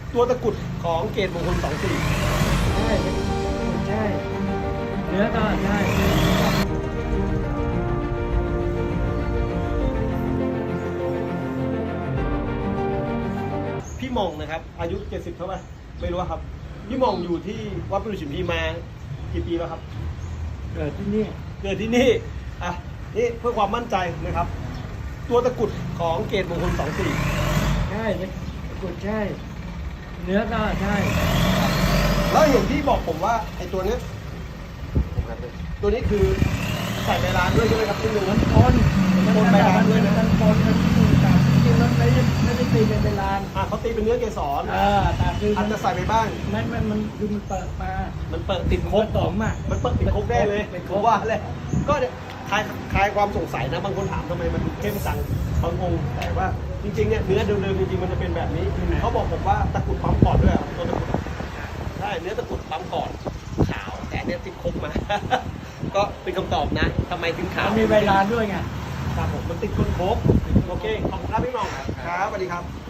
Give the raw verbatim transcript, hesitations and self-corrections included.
ตัวตะกรุดของเกตมงคลสองสี่ใช่ใช่เนื้อก็ใช่พี่หม่องนะครับอายุเจ็ดสิบเท่าไหร่ไม่รู้ครับพี่หม่องอยู่ที่วัดประดู่ฉิมพีมากี่ปีแล้วครับเกิดที่นี่เกิดที่นี่อ่ะนี่เพื่อความมั่นใจนะครับ ตัวตะกรุดของเกตมงคลสองสี่ใช่ตะกรุดใช่เนื้อก็ใช่แล้วเห็นพี่บอกผมว่าไอ้ตัวเนี้ยตัวนี้คือใส่ใบลานด้วยใช่ไหมครับที่หนึ่งมันปนมันปนใบลานด้วยนะมันปนมันที่ต่างจริงมันไม่ได้ไม่ได้ตีเป็นเวลาอ่ะเขาตีเป็นเนื้อเกสรเออแต่คืออาจจะใส่ไปบ้างมันมันมันคือมันเปิดมามันเปิดติดโคผกสมอ่ะมันเปิดติดโคกได้เลยเป็นโคผมกว่าเลยก็เนี่ยคลายคลายความสงสัยนะบางคนถามทำไมมันเข้มจังบางองค์แต่ว่าจริงๆเนี่ยเนื้อเดิมๆจริงๆมันจะเป็นแบบนี้เขาบอกผมว่าตะกรุดปั๊มก่อนด้วยอ่ะตัวตะกรุดใช่เนื้อตะกรุดปั๊มก่อนขาวแต่อันเนี่ยติดโคกมา ก็เป็นคำตอบนะทำไมถึงขาวมันมีเวลาด้วยไงครับผมมันติดคนโคกโอเคขอบคุณครับพี่หน้องครับสวัสดีครับ